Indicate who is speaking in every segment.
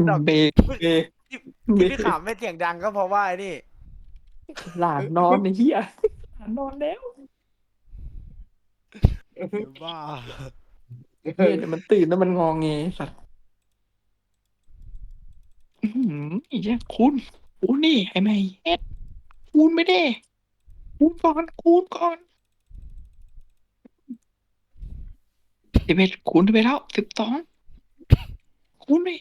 Speaker 1: ดอก
Speaker 2: เบรกเบรก
Speaker 1: ที่
Speaker 2: เบร
Speaker 1: พี่
Speaker 2: ก
Speaker 1: ขำไม่เสียงดังก็เพราะว่าไอ้นี่
Speaker 2: หลานนอนไอ้เหี้ยหลานนอนแล้ว
Speaker 1: บ้า
Speaker 2: เหี้ยเดี๋ยวมันตื่นแล้วมันงอแงสัตว์ไอ้เหี้ยคุณนี่ไอ้แม่เฮ็ดคุณไม่ได้คุณก่อน11คูณไปแล้ว12คูณไป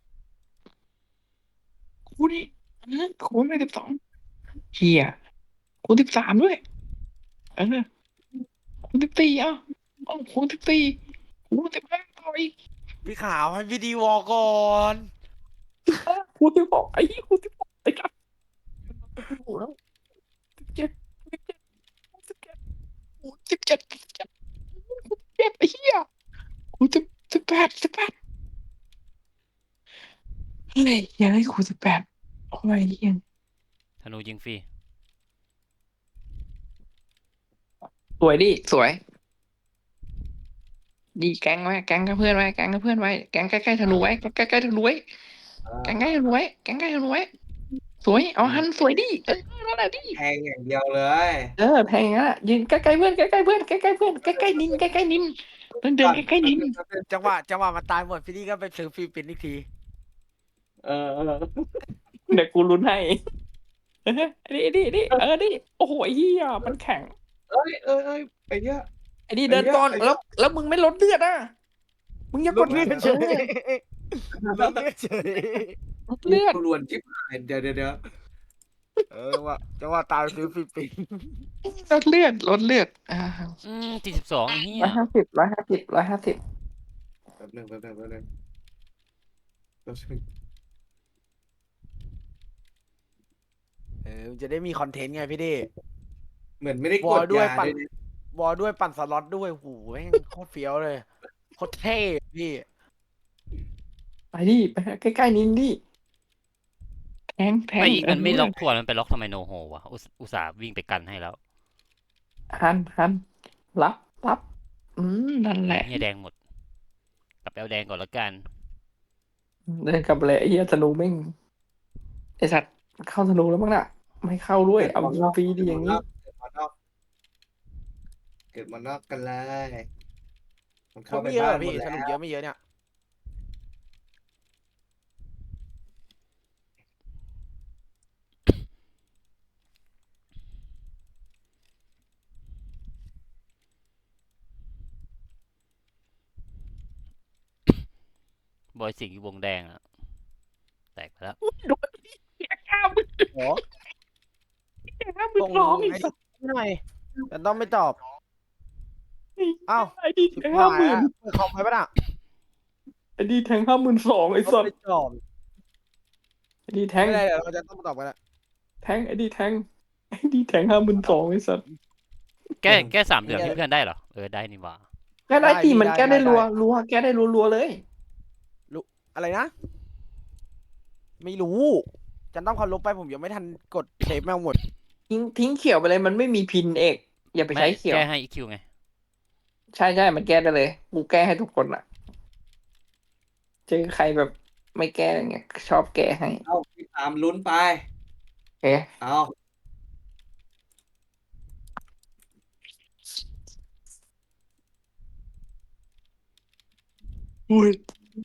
Speaker 2: คูณไป12เหี้ยคูณ13ด้วยเออคูณ14คูณ14คูณ15ต่ออีก
Speaker 1: พี่ขาวให้พี่ดีวอลก่อน
Speaker 2: คูณ16ไอ้เหี้ยคูณ16ไอ้กัดโอ้โหแล้ว17 17 17ไอ้เหี้ยคูณ18เฮ้ยยังให้คูณ18โอ้ยเหี้ย
Speaker 3: ธนูยิงฟรี
Speaker 2: สวยดิสวยดีแก๊งไว้แก๊งกับเพื่อนไว้แก๊งกับเพื่อนไว้แก๊งใกล้ๆธนูไว้แก๊งใกล้ๆธนูไว้แก๊งใกล้ธนูไว้แก๊งใกล้ธนูไว้สวยเอาหันสวยดินั่นแหละดิ
Speaker 4: แทงอย่างเดียวเลย
Speaker 2: แพงอ่ะยืนใกล้ๆเพื่อนใกล้ๆเพื่อนใกล้ๆเพื่อนใกล้ๆนินใกล้ๆนินเดินใกล้ๆนิน
Speaker 1: จังหวะมันตายหมดพี่ดีก็ไปซื้อฟรีปินอีกที
Speaker 4: เออ
Speaker 2: เดี๋ยวกูลุ้นให้นี่ดิโอ้โหไอ้เหี้ยมันแข็ง
Speaker 4: ไอ้เนี้ย
Speaker 2: ไอ้นี่เดินก่อนแล้วมึงไม่ลดเลือดอ่ะมึงอย่ากด
Speaker 1: เลือดเฉยเลือดเฉย
Speaker 2: ลดเลือด
Speaker 4: รวนชิบหายเดี๋ยว
Speaker 1: จังหวะตายไปซื้อฟรีปิน
Speaker 2: ลดเลือด
Speaker 3: 42ไอ้เหี้ย
Speaker 2: 150
Speaker 4: แป๊บนึง
Speaker 1: มันจะได้มีคอนเทนต์ไงพี่ดี
Speaker 4: เหมือนไม่ได้
Speaker 1: ว
Speaker 4: ก
Speaker 1: อล
Speaker 4: ด
Speaker 1: ด้วย
Speaker 4: ยา
Speaker 1: ปั่น
Speaker 4: ด้วยนะ
Speaker 1: วอลด้วยปั่นสล็อตด้วยโหแม่งโคตรเฟี้ยวเลยโคตรเท่พี่
Speaker 2: ไปดิไปใกล้ๆนินดิแทง
Speaker 3: ไอ้อีกมันไม่ล็อกทวนมันไปล็อกทำไมโนโฮวะอุตส่าห์วิ่งไปกันให้แล้ว
Speaker 2: หันรับนั่นแหละ
Speaker 3: เหี้ยแดงหมดกลับไปเอาแดงก่อนแล้วกัน
Speaker 2: เดินกลับเลยไอ้เหี้ยธนูแม่งไอ้สัตว์เข้าธนูแล้วมั้งน่ะไม่เข้าด้วยเอายิงฟรีดีอย่างนี้
Speaker 4: เกิดมานอกกันเลยมัน
Speaker 1: ค
Speaker 4: เข้าน ไป
Speaker 1: ไม่เยอะ
Speaker 4: บ้า
Speaker 1: เหร
Speaker 4: น
Speaker 1: อ
Speaker 4: หม
Speaker 1: พี่
Speaker 4: ดแล้
Speaker 1: สรุป
Speaker 4: ว
Speaker 1: เยอะไม่เยอะเนี่ย
Speaker 3: บอยสิงห์อยู่วงแดงอะแตกไปแล้ว
Speaker 2: โดนเสีย50,000
Speaker 1: โอ้ส่ง
Speaker 2: 52,000อีก
Speaker 1: ไอ้
Speaker 2: สัตว์
Speaker 1: หน่อยแต่ต้องไม่ตอบอ้าว
Speaker 2: ไอ้ดี
Speaker 1: ชิบ
Speaker 2: แทง
Speaker 1: หาย
Speaker 2: 50,000
Speaker 1: อะเปิดคอมไปปะน่ะ
Speaker 2: ไอ้ดีแทง52,000ไอ้
Speaker 1: ต้
Speaker 2: สั
Speaker 1: อง
Speaker 2: ต
Speaker 1: ไม่
Speaker 2: ว์
Speaker 1: ตอบ
Speaker 2: ไอ้ดีแทง
Speaker 1: ไม่ได้เดี๋ยวเราจะต้องมาตอบกันละ
Speaker 2: ไอ้ดีแทง52,000ไอ้สัตว์
Speaker 3: แก้3เหลืองให้เพื่อนได้เหรอได้นี่หว่า
Speaker 2: แก้ได้ตีมันแก้ได้รัวแก้ได้รัวเลย
Speaker 1: อะไรนะ ไม่รู้จันต้องเคารพไปผมยังไม่ทันกดเซฟแมวหมด
Speaker 2: ทิ้งเขียวไปเลยมันไม่มีพินเอกอย่าไปใช้เขียว
Speaker 3: แก้ให้ EQ ไง
Speaker 2: ใช่มันแก้ได้เลยกูแก้ให้ทุกคนอ่ะเจอใครแบบไม่แก้เงี้ยชอบแก้ให้
Speaker 4: เอาพี่ตามลุ้นไป
Speaker 2: เอ๊ะ
Speaker 4: เอา
Speaker 2: อุ้ย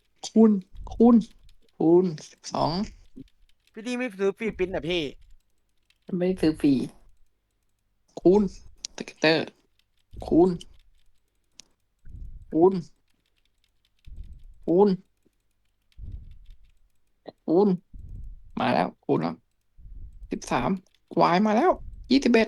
Speaker 2: คูณ12
Speaker 1: พี่ดีไม่ซื้อฟรีปินอ่ะพี่
Speaker 2: ไม่ได้ซื้อฟรีคูณสเกตเตอร์คูณคูณมาแล้วคูณแล้ว13วายมาแล้ว21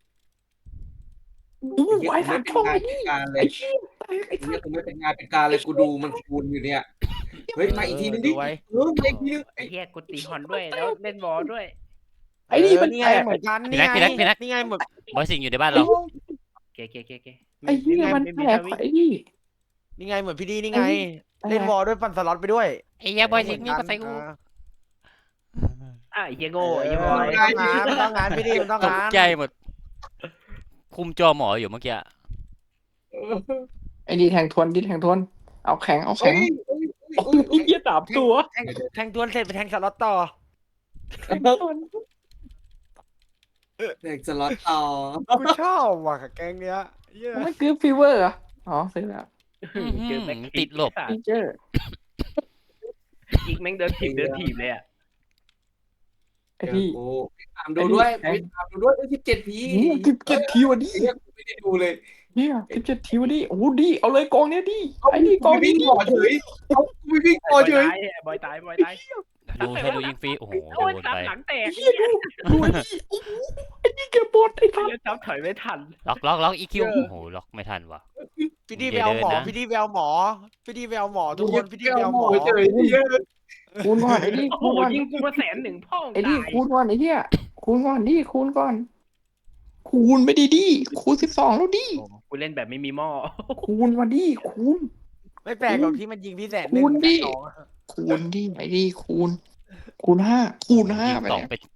Speaker 2: วาย3ช่องไอ้นี่
Speaker 4: การเล
Speaker 2: ไอ้
Speaker 4: ย
Speaker 2: เชี่ยแตกไอ้
Speaker 4: เนี้
Speaker 2: สั
Speaker 4: ย
Speaker 2: ส
Speaker 4: กูไม่เป็นงานเป็นการเลยกูดูมันคูณอยู่เนี่ยเฮ้ยมาอีกทีนึงดิ
Speaker 1: ดูไว้
Speaker 4: มาอีกทีนึง
Speaker 5: ไอ้เฮียกูตีฮอนด้วยแล้วเล่นบอลด้วย
Speaker 2: ไอ้นี่มัน
Speaker 1: นี่ไง
Speaker 2: แตก
Speaker 1: เหมือนกัน
Speaker 3: พี่
Speaker 1: นี่
Speaker 3: นัก
Speaker 1: ไง
Speaker 3: พี่นัก
Speaker 1: นี่ไงเหมือน
Speaker 3: บอยสิงห์อยู่ในบ้านเรา
Speaker 5: เกเก
Speaker 2: ไอ้เหี้ยมันแตกไอ้นี่
Speaker 1: นี่ไงเหมือนพี่ดีนี่ไง
Speaker 2: ไอ้
Speaker 1: เล่นวอลด้วยปั่นสล็อตไปด้วย
Speaker 3: ไอ้เหี้ยบอยสิงห์นี่ก็ใส่กู
Speaker 5: อ่ะไอ้เฮียโง่ไอ้เฮียบ
Speaker 1: ต้
Speaker 5: อ
Speaker 1: อง
Speaker 5: ย
Speaker 1: งานพี่ดีมันต้อง
Speaker 3: ต
Speaker 1: งาก น
Speaker 3: ใจหมด คุมจอหมออยู่เมื่อกี้
Speaker 2: ไอ้นี่แทงทวนเอาแข็ง
Speaker 4: เฮ้ย
Speaker 2: โอ้ยเหี้ยสามตัว
Speaker 1: แทงตัวเสร็จไปแทงสล็อตต่อ
Speaker 4: เด็กสล็อตต่อ
Speaker 1: กูชอบว่ะแก๊งเนี้ยเหี้ย
Speaker 2: ไม่คือฟีเวอร์เหรออ๋อซื้อแล้ว
Speaker 5: เจอแบ็ค
Speaker 3: ติดหลบ
Speaker 2: ฟีเจอร์
Speaker 5: อีกแม่งเดินถีบเลยอ่ะ
Speaker 2: ไอ้พี่
Speaker 4: โอ้พี่ถามดูด้วยพี่ถามดูด้วย17 ที
Speaker 2: 17 ทีวันนี้
Speaker 4: เรียกไม่ได้ดูเลย
Speaker 2: เนี่ย17 ทีวันนี้โอ้โหดีเอาเลยกองเนี้ยดีไอ้นี่ก
Speaker 4: กู
Speaker 2: อง
Speaker 4: ไม่
Speaker 2: นี้
Speaker 4: วิ่ง
Speaker 2: ดี
Speaker 4: ต่อเฉยกูไม่วิ่งต่อเฉย
Speaker 5: บอยตายบอยตาย
Speaker 3: ดูให้ดูยิงฟรีโอ้โห
Speaker 5: โอ้ย
Speaker 3: โดน
Speaker 5: ซับ
Speaker 3: ไป
Speaker 5: หลังแตก
Speaker 2: เฮียดูไอ้นี่โอ้โหไอ้นี่เก็บบทไอ้ทัน
Speaker 5: เล่นซับถอยไม่ทัน
Speaker 3: ล็อกอีคิวโอ้โหล็อกไม่ทันว่ะ
Speaker 1: พี่ดีแววหมอ
Speaker 3: อย่าเดินนะ
Speaker 1: พี่ดีแววหมอพี่ดีแววหมอทุกคนพี่ดีแววหมอ
Speaker 4: เฉยเยอะ
Speaker 2: คูณก่อนไอ้นี่
Speaker 5: โอ้โห
Speaker 2: คูณก่อน
Speaker 5: ยิงกูมา100,000พ่อ
Speaker 2: ไอ้นี่
Speaker 5: ตาย
Speaker 2: คูณก่อนไอ้เหี้ยคูณก่อนดิคูณก่อน คูณไปดีคูณ12แล้วดิ
Speaker 5: กูเล่นแบบไม่มีหม้อ
Speaker 2: คูณมาดิคูณ
Speaker 1: ไม่แปลกหรอกที่มันยิงพี่แสน
Speaker 2: คูณดิ
Speaker 1: 1 2
Speaker 2: คูณดิไอ้นี่คูณ5คูณ5
Speaker 3: ยิง
Speaker 2: ไป
Speaker 3: สอง
Speaker 2: เนี่ย
Speaker 3: ไป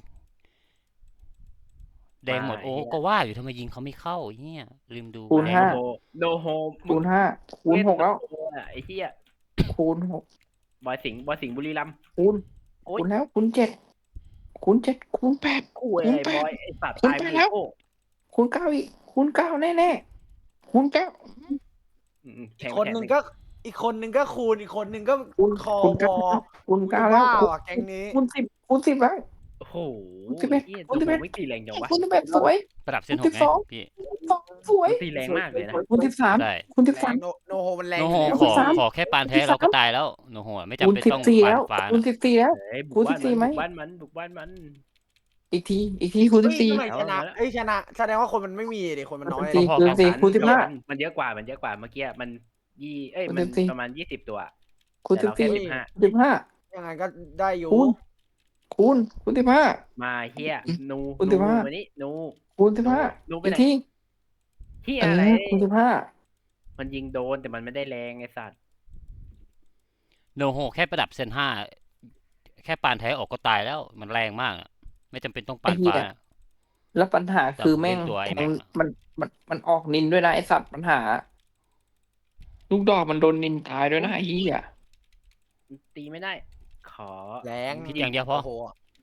Speaker 3: แดงหมดโอ้ก็ว่าอยู่ทำไมยิงเขาไม่เข้าเฮียลืมดู
Speaker 2: คูณ
Speaker 5: โน
Speaker 2: ห้า
Speaker 5: โฮโนโฮ
Speaker 2: คูณ5คูณ6แล้ว
Speaker 5: ไอ้เหี้ย
Speaker 2: คูณ6
Speaker 5: บอยสิงห์บุรีรัมย์
Speaker 2: คูณ
Speaker 5: โอ๊ย
Speaker 2: คูณแล้วคูณ7คูณ7คูณ8
Speaker 5: กูไอ้บอยไอ้สัตว์
Speaker 2: คุณ
Speaker 5: ตาย
Speaker 2: ไป
Speaker 5: ไป
Speaker 2: แล้ว
Speaker 5: โอ้
Speaker 2: คูณ9อีกคูณ9แน่ๆคูณ9
Speaker 5: แท
Speaker 1: อีก
Speaker 5: ง
Speaker 1: คนหนึ่งก็อีกคนหนึ่งก็คูณอีกคนหนึ่งก็
Speaker 2: คูณ
Speaker 1: คอ
Speaker 2: คูณ
Speaker 1: วอ
Speaker 2: 9คูณ9แล้ว
Speaker 1: ว้าวอะแก๊งนี้
Speaker 2: คูณ10คูณ10แล้ว
Speaker 5: โอ้โห
Speaker 2: คุณ11
Speaker 5: เหี้ย
Speaker 2: คุณ
Speaker 5: ดู
Speaker 2: 11
Speaker 5: ไม่ตีแรงจังวะ
Speaker 2: คูณ11สวย
Speaker 3: ประดับเส้นหกไง
Speaker 2: 12
Speaker 3: พี่
Speaker 2: สวย
Speaker 5: ตีแรงมากเลยนะ
Speaker 2: คูณ13
Speaker 3: ได้
Speaker 2: คูณ
Speaker 1: แรง
Speaker 2: 13
Speaker 1: โนโฮมันแรง
Speaker 3: โนโฮ
Speaker 1: อยู่
Speaker 3: ข
Speaker 1: แล้ว
Speaker 3: อแค่ปานแท้เราก็ตายแล้วโนโฮไม่จำ
Speaker 2: คูณ
Speaker 3: เป็นต้อง
Speaker 2: 14
Speaker 3: ปา
Speaker 2: แล้
Speaker 3: น
Speaker 2: ว
Speaker 3: ฟ้า
Speaker 2: คูณ14แล้ว
Speaker 5: เฮ้ย
Speaker 2: คูณ14ไหม
Speaker 5: บุกบ้านมัน
Speaker 2: อีกทีคูณ
Speaker 1: เฮ้ยทำไม
Speaker 2: 14
Speaker 1: ชนะเอ้ยชนะแสดงว่าคนมันไม่มีดิคนมันน้อย
Speaker 2: คูณ
Speaker 3: พอ
Speaker 2: 14
Speaker 3: ๆกัน
Speaker 2: คูณ
Speaker 5: มันเยอะกว่าเมื่อกี้มัน
Speaker 2: คูณ
Speaker 5: มัน
Speaker 2: 14
Speaker 5: ประมาณ20 ตัว
Speaker 2: 15คูณ
Speaker 5: แต่เราแค่
Speaker 2: 14 15
Speaker 1: ยังไงก็ได้อยู่
Speaker 2: คูณ15
Speaker 5: มาเฮียนู
Speaker 2: คุณ
Speaker 5: นู
Speaker 2: 15
Speaker 5: วันนี้นู
Speaker 2: คูณ
Speaker 5: นู
Speaker 2: 15
Speaker 5: ไป
Speaker 2: อีก
Speaker 5: ไหน
Speaker 2: ที
Speaker 5: เฮีย
Speaker 2: เอ
Speaker 5: อะไร
Speaker 2: อคูณ15
Speaker 5: มันยิงโดนแต่มันไม่ได้แรงไอ้สัตว์
Speaker 3: โนโฮแค่ประดับเส้น5แค่ปานแท้ออกก็ตายแล้วมันแรงมากอะไม่จำเป็นต้องปานฟ้า
Speaker 2: แล้วปัญหาคือแม่ง
Speaker 3: จับเป็นตัวไอ้
Speaker 2: แท
Speaker 3: แม็
Speaker 2: ง
Speaker 3: กอะ
Speaker 2: มันออกนินด้วยนะไอสัตว์ปัญหา ลูกดอกมันโดนนินตายด้วยนะไอ้เหี้ย
Speaker 5: ตีไม่ได้ ขอ
Speaker 1: แรง
Speaker 3: คิดอย่างเดียวพอ
Speaker 1: โอ้โห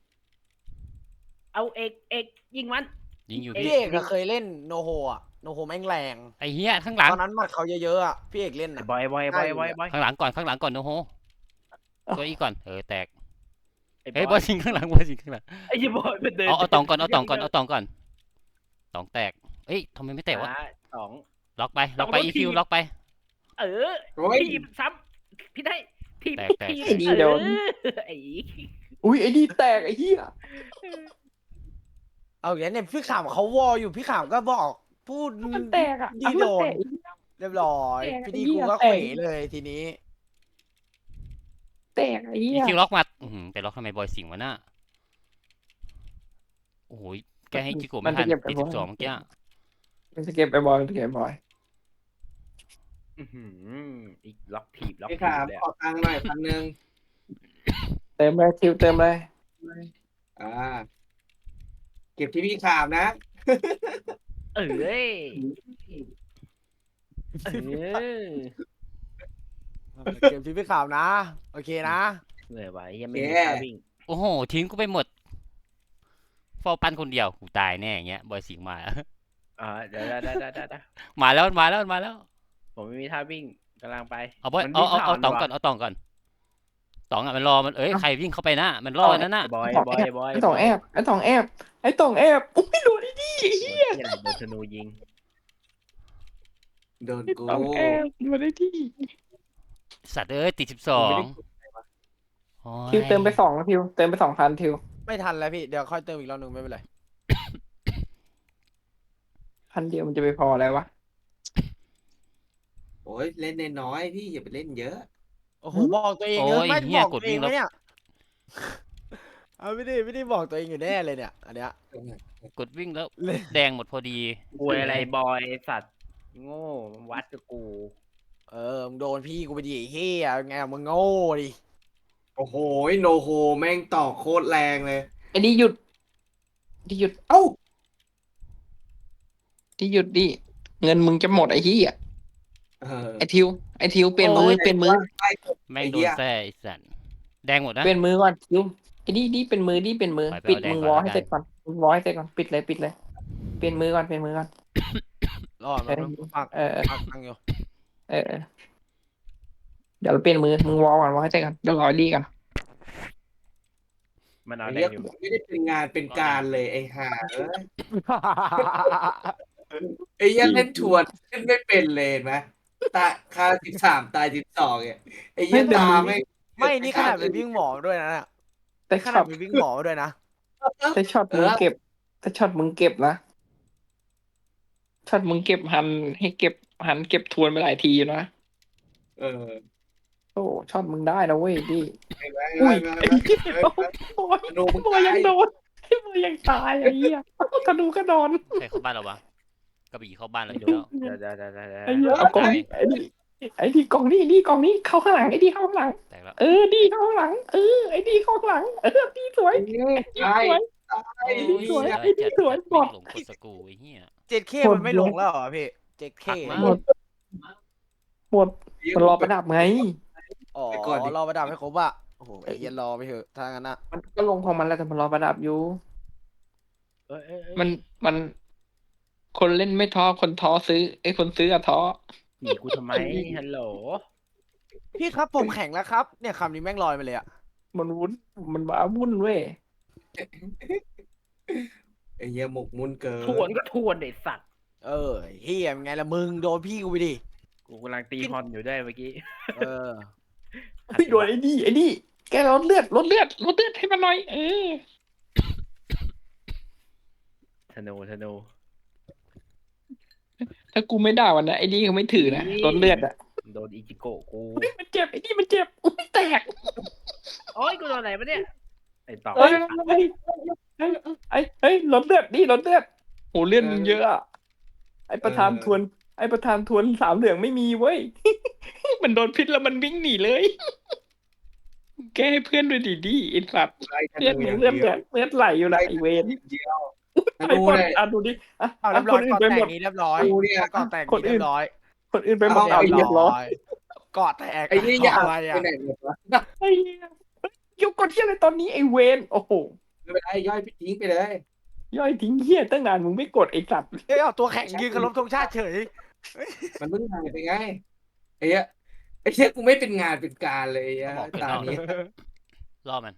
Speaker 5: เอาเอกยิงมัน
Speaker 3: ยิงอยู่
Speaker 1: พี่
Speaker 3: พี่
Speaker 1: เอกอะเคยเล่นโนโฮอะโนโฮแม่งแรง
Speaker 3: ไอ้เฮียข้างหลัง
Speaker 1: ตอนนั้นหมัดเขาเยอะๆอะพี่เอกเล่นอะ
Speaker 5: บอย
Speaker 3: ข้างหลังก่อนโนโฮตัวอีกก่อนแตก
Speaker 5: ไอ้
Speaker 3: เฮ้ย
Speaker 5: บบ อ
Speaker 3: อย สิงข้างหลังบอยสิงข้างหลัง
Speaker 5: ไอ้เหี้ยบอยมันเดิน
Speaker 3: เอาตองก่อนตองแตกเอ้ยทำไมไม่แตกวะ
Speaker 5: สอง
Speaker 3: ล็อกไป
Speaker 5: ต้อง
Speaker 3: อี
Speaker 5: ที
Speaker 3: คิว
Speaker 5: บ
Speaker 3: ล็อกไป
Speaker 5: เออ
Speaker 4: โอ้ย
Speaker 5: ทีบซ้ำพี่ได้ทีบ
Speaker 3: แตก
Speaker 5: ทีบ
Speaker 2: ไอ้ดีโดน
Speaker 5: ไอ้
Speaker 2: อุ้ยไอ้ดีแตกไอ้เหี้ย
Speaker 1: เอาอย่างนี้เนี่ยพี่ขามเขาวออยู่พี่ขามก็บอกพูด
Speaker 2: มันแตกอ่ะ
Speaker 1: ดี
Speaker 2: มัน
Speaker 1: โด
Speaker 2: แต
Speaker 1: น
Speaker 2: ก
Speaker 1: เรียบร้อย
Speaker 2: แตก
Speaker 1: พี่ดี
Speaker 2: ไอ้เหี้
Speaker 1: กู
Speaker 2: ย
Speaker 1: ก็
Speaker 2: แต
Speaker 1: เข
Speaker 2: ก
Speaker 1: วเลยทีนี้
Speaker 2: แตกไอ้
Speaker 3: อี
Speaker 2: เหี้ย
Speaker 3: คิวล็อกมาไปล็อกทำไมบอยสิงวะน่ะโอ้โหแกให้จิโกะไม่ทันติด12เมื่อกี้
Speaker 2: มันจะเก็บไปบอยมันจะเก็บไปบอย
Speaker 5: อีกล็อกทีบล็อก
Speaker 4: พี่
Speaker 5: ที
Speaker 4: ถาม
Speaker 5: บเลย
Speaker 4: ขอตังค์หน่อย1,000
Speaker 2: เติมเลยทิวเติมเลย
Speaker 4: อ่าเก็บที่พี่ถามนะ
Speaker 5: เอ้ยเออ
Speaker 1: เกมที่พี่ขามนะ โอเคนะ
Speaker 5: เหนื่อยว่ะยังไม่มีท่าวิ่ง
Speaker 3: โอ้โหทิ้งกูไปหมดเฝ้าปั้นคนเดียวกูตายแน่อย่างเงี้ยบอยสิงมา
Speaker 5: เดี๋ยว
Speaker 3: มาแล้ว
Speaker 5: ผมไม่มีท่าวิ่งกำลังไป
Speaker 3: เอาบอย
Speaker 5: มัน
Speaker 3: เอา
Speaker 5: วิ่งผ่าน
Speaker 3: ตอง
Speaker 5: ว่ะ
Speaker 3: ก่อนตองอ่ะมันรอมันใครวิ่งเข้าไปนะมันรอนั่นน่ะ
Speaker 5: บอย
Speaker 2: ไอ้ตองแอบอุ้ยโดนไอ้นี่ไอ้เหี้ย
Speaker 5: ที่ไหนโดนธนูยิง
Speaker 4: โดน
Speaker 2: ไอ้
Speaker 4: กู
Speaker 2: ตองแอบโดนไอ้ที่
Speaker 3: สัตว์ติด12โอ้ย
Speaker 2: ทิวเติมไป2แล้วทิวเติมไป2,000ทิว
Speaker 1: ไม่ทันแล้วพี่เดี๋ยวค่อยเติมอีกรอบหนึ่งไม่เป็นไร
Speaker 2: 1,000เดียวมันจะไปพออะไรวะ
Speaker 4: โอ้ยเล่นน้อยๆพี่อย่าไปเล่นเยอะ
Speaker 1: โอ้โหบอกตัวเองเยอะไม่บอกตัวเองไหมเนี่ยเอาไม่ได้บอกตัวเองอยู่แน่เลยเนี่ยอันเนี้ย
Speaker 3: กดวิ่งแล้ว
Speaker 1: เลย
Speaker 3: แดงหมดพอดี
Speaker 5: กวยอะไรบอยสัตว์โง่วัดกับกู
Speaker 1: มึงโดนพี่กูไปดิไอ้เฮียไงมึงโง่ดิ
Speaker 4: โอ้โหโนโฮแม่งต่อโคตรแรงเลย
Speaker 2: ไอ้ดีหยุด
Speaker 4: เอ้า
Speaker 2: ดีหยุดดิเงินมึงจะหมดไอ้เหี้ย
Speaker 4: เออ
Speaker 2: ไอ้ทิวเปลี่ยนมือ
Speaker 4: ไป
Speaker 3: แม่ง
Speaker 4: ไอ้
Speaker 3: โด
Speaker 4: เหี้
Speaker 3: น
Speaker 4: ย
Speaker 3: แซ่ไอ้สัตว์แดงหมดนะ
Speaker 2: เป็นมือก่อนคิวไอ้นี่เป็นมือนี่เป็นมือ
Speaker 3: ไป
Speaker 2: ปิด
Speaker 3: เอาแดง
Speaker 2: มึง
Speaker 3: ก่อน
Speaker 2: วอล
Speaker 3: แล้ว
Speaker 2: ให้
Speaker 3: กัน
Speaker 2: เสร็จก่อนมึงวอลให้เสร็จก่อนปิดเลยเปลี่ยนมือก่อนเปลี่ยนมือก่อน
Speaker 1: รอด
Speaker 2: เอ
Speaker 1: มา
Speaker 2: อ
Speaker 1: ปัก
Speaker 2: เออ
Speaker 1: ปักตังอยู่
Speaker 2: เออเดี๋ยวเราเปลี่ยนมือมึงวอลก่อนวอลให้เสร็จก่อนเดี๋ยวรอดีก่อน
Speaker 5: มันเอา
Speaker 4: ไอ้
Speaker 5: แด
Speaker 4: เหี้ย
Speaker 5: งอยู่
Speaker 4: ไม่ได้เป็นงานเป็นการเลยไอ้ห่าเอ้ยไอ้เหี้ยเล่นทวนเล่นไม่เป็นเลยเห็นไหมตายคา13ตาย12เนี่ยไอ้เหี้ยตาไม่
Speaker 1: ไม่นี่ขนาดเป็นวิ่งหมอด้วยนะเนี่ย
Speaker 2: แต่
Speaker 1: ข
Speaker 2: ช็
Speaker 1: นา
Speaker 2: อ
Speaker 1: ด
Speaker 2: ต
Speaker 1: เป็นวิ่งหมอด้วยนะ
Speaker 2: แต่ช็อตมึงเก็บแต่ช็อตมึงเก็บนะช็อตมึงเก็บหันให้เก็บหันเก็บทวนไปหลายทีอยู่นะ
Speaker 4: เออ
Speaker 2: โอ้ช็อตมึงได้นะเว้ยดิ
Speaker 4: ไอ้แม่
Speaker 2: อุ้ย
Speaker 4: ไอ้
Speaker 2: ไอ้
Speaker 4: แม่
Speaker 2: เหี้ยโอ้ย
Speaker 4: ดูมึง
Speaker 2: โอ้ยยั
Speaker 4: ตาง ย
Speaker 2: โดนไอ้โอ้ยยังตายไอ้เหี้ยกระดูกกระดอน
Speaker 3: ใครเข้าบ้านเราวะกระบี่เข้าบ้านเราอยู่แล้ว
Speaker 5: เดี๋ยว
Speaker 2: ไอ้เหี้ยเอากล่องนี้ไอ้นี่กล่องนี้เข้าข้างหลังไอ้นี่เข้าข้างหลัง
Speaker 3: แตกแล้ว
Speaker 2: ดีเข้าข้างหลังไอ้ดีเข้าข้างหลังดีสวย
Speaker 4: ตาย
Speaker 2: สวย
Speaker 4: ตาย
Speaker 2: ดีสวย
Speaker 3: เออ
Speaker 2: ไอ้นี่สวย
Speaker 3: จัด
Speaker 2: หมด
Speaker 3: หลงกดสกรูไอ้เหี้ย
Speaker 1: 7K มันไม่ลงแล้วเหรอพี่ 7K
Speaker 3: หัก
Speaker 2: หม
Speaker 3: มา
Speaker 2: ดหมดมันรอประดับไง
Speaker 1: อ๋อรอประดับให้ครบอ่ะโอ้โหไอ้เหี้ยันรอไปเถอะถ้างั้นอ่ะ
Speaker 2: มันก็ลงของมันแล้วแต่มันรอประดับอยู่ มันคนเล่นไม่ท้อคนท้อซื้อคนซื้ออะท้อ
Speaker 5: หนีกูทำไมฮัลโหล
Speaker 1: พี่ครับผมแข็งแล้วครับเนี่ยคำนี้แม่งลอยไปเลยอ่ะ
Speaker 2: มันวุ่นมันบ้าวุ่นเว้ย
Speaker 4: ไอ้เหี้ยหมกมุ่นเกิน
Speaker 5: ทวนก็ทวนไอ้สัตว์
Speaker 1: เออเฮียเป็นไงล่ะมึงโดนพี่กูไปดิ
Speaker 5: กูกำลังตีฮอนอยู่ด้วยเมื่อกี้
Speaker 1: เออ
Speaker 2: โดนไอ้นี่แกลดเลือดให้มันหน่อย
Speaker 5: ธนู
Speaker 2: ถ้ากูไม่ด่าวันนะไอ้นี่เขาไม่ถือนะลดเลือดอ่ะ
Speaker 5: โดนอิจิโกะกู
Speaker 2: มันเจ็บไอ้นี่มันเจ็บอุ้ยแตก
Speaker 5: โอ้ยกูโดนอะไรปะเนี่ยไอ้ต่อ
Speaker 2: เฮ้ยลดเลือดโหเลือดมึงเยอะอะไอ้ประธานทวนสามเหลืองไม่มีเว้ย มันโดนพิษแล้วมันวิ่งหนีเลย แกให้เพื่อนด้วยดิไอ้สัตว์
Speaker 4: ไล่ธ
Speaker 2: เลือด
Speaker 4: นู
Speaker 2: มึ
Speaker 4: อง ย่าง
Speaker 2: เลือด
Speaker 4: เดียว
Speaker 2: ไหลอยู่นะไอเวน
Speaker 4: เดียวธ
Speaker 2: ไอ้
Speaker 4: นู
Speaker 2: คน
Speaker 4: เนี่ย
Speaker 2: ดูดิ
Speaker 1: เอาเรียบร้อย
Speaker 2: คนอื่
Speaker 1: ก่อน
Speaker 2: นไป
Speaker 1: แต่
Speaker 2: หมด
Speaker 1: งนี้เรียบร้อย
Speaker 4: กูเนี่ย
Speaker 1: ก่อนแต่งนี้เรียบร้อย
Speaker 2: คนอื่นไปหมด
Speaker 4: เอา
Speaker 2: ไอ้เรียบร้อย
Speaker 1: ก่อนแตก
Speaker 4: ไอ้นี่ยาว
Speaker 1: อะไร
Speaker 4: ไป
Speaker 1: อ่ะ
Speaker 4: ไหนหมดวะ
Speaker 2: ไอ้เหี้ยยกกดเที่ยอะไรตอนนี้ไอเวนโอ้โห
Speaker 4: ไม่เป็นไรย่อยทิ้งไปเลย
Speaker 2: ย่อยทิ้งเหี้ยตั้งนานมึงไม่กดไอ้สัตว์
Speaker 1: เอ้ยเอาตัวแข็งยืนเคารพธงชาติเฉย
Speaker 4: มันเพิ่งหายไปไงไอ้เหี้ยกูไม่เป็นงานเป็นการเลยไอ้เหี้ย
Speaker 3: บอกเกิด
Speaker 4: ตาน
Speaker 3: อก
Speaker 4: นี้
Speaker 3: ล่อมัน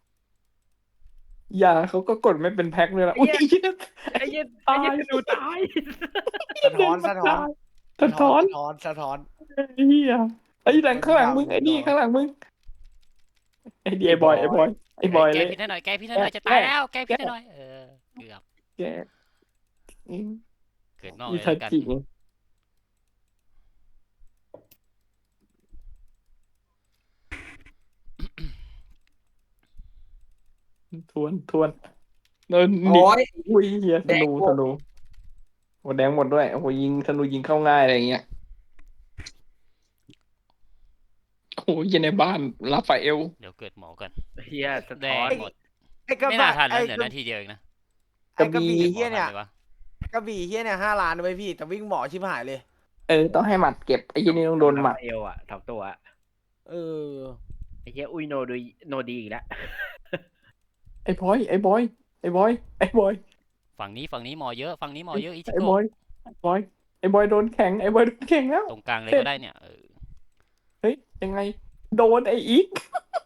Speaker 2: ยาเขาก็กดไม่เป็นแพ็คเลยละอุ้ย
Speaker 5: ไอ้เหี้ยธนูตาย
Speaker 1: สะท้อนสะท้อน
Speaker 2: สะท้อน
Speaker 1: สะท้อน
Speaker 2: ไอ้เหี้ยไอ้หลังข้างหลังมึงไอ้นี่ข้างหลังมึงไอ้ดีไอ้บอย
Speaker 3: แก
Speaker 2: เลย
Speaker 3: พิษให้หน่อยแกพิษให้หน่อยจะตายแล้วแกพิษให้หน่อยเกือบ
Speaker 2: แกอืม
Speaker 3: เกิดนอก
Speaker 2: อี
Speaker 3: เลย
Speaker 2: ทั
Speaker 3: แล้วกัน
Speaker 2: จิทวนโดนหนี
Speaker 4: โอ้ย
Speaker 2: อุ้ยเฮียธนู
Speaker 4: แดงหมด
Speaker 2: โอ้แดงหมดด้วยโอ้โหยิงธนูยิงเข้าง่ายอะไรอย่างเงี้ยโอ้โหยิงในบ้านลาฟาเอล
Speaker 3: เดี๋ยวเกิดหมอกัน
Speaker 5: เฮียสะ
Speaker 3: แด
Speaker 5: ท้
Speaker 3: ง
Speaker 5: อน
Speaker 3: หมด
Speaker 1: ไอ้กระ
Speaker 3: ไม่
Speaker 1: บะ
Speaker 3: น่าทันแล้ว
Speaker 1: ไอ้
Speaker 3: เหลือก
Speaker 1: ระ
Speaker 3: นาทีเดียวเองนะ
Speaker 1: ไอ้กระบี่เฮีย
Speaker 3: หมอ
Speaker 1: เนี่ย
Speaker 3: ทันลวะ
Speaker 1: กระบี่เฮียเนี่ย5 ล้านเลยพี่แต่วิ่งหมอชิบหายเลย
Speaker 2: ต้องให้หมัดเก็บไอ้ยี่นี่ต้องโดนหมัด
Speaker 5: เอวอ่ะทับตัวอะ
Speaker 1: เออ
Speaker 5: ไอ้เฮียอุ้ยโนดีอีกแล้ว
Speaker 2: ไอ้บอย
Speaker 3: ฝั่งนี้หมอเยอะฝั่งนี้หมอเยอะอิจิ
Speaker 2: ไอ้
Speaker 3: โก
Speaker 2: บอยโดนแข็งแล้ว
Speaker 3: ตรงกลางเลยก็ได้เนี่ย
Speaker 2: เฮ้ยยังไงโดนไอ้อีก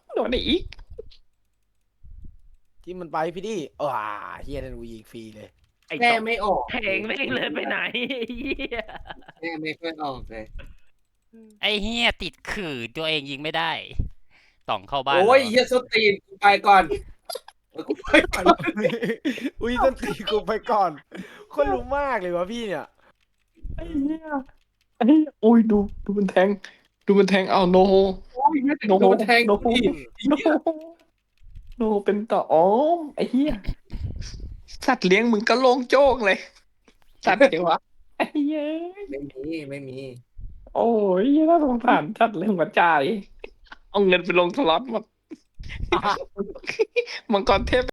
Speaker 1: ที่มันไปพี่ดิเฮียธนูยิงฟรีเลย
Speaker 5: ไอ้
Speaker 4: แม่
Speaker 5: ต่อ
Speaker 4: ไม่ออก
Speaker 5: แทงแม่งเลยไปไหนไอ้เฮีย
Speaker 4: แม่ไม่ค่อยออกเลย
Speaker 3: ไอ้เฮียติดขื่อตัวเองยิงไม่ได้ต่องเข้าบ้าน
Speaker 4: โอ้ย
Speaker 3: เหรอ
Speaker 4: เหี้ยสตีนกูไปก่อนกูไปก่อน
Speaker 1: อุ้ยต้นตีกูไปก่อนคนรู้มากเลยวะพี่เนี่ย
Speaker 2: ไอ้เหี้ยโอ้ยดูมันแทงเอาโนโฮ
Speaker 4: โอ้ยไม่ถึงโดนแทงกูอีก
Speaker 2: โนเป็นต่ออ๋อไอ้เหี้ยสัตว์เลี้ยงมึงก็โล่งโจ้งเลยสัตว์เดี๋ยววะไอ้เหี้ย
Speaker 4: ไม่มี
Speaker 2: โอ้ยน่าสงสารสัตว์เลี้ยงหัวใจเอาเงินไปลงสล็อตหมดมังกรเทพ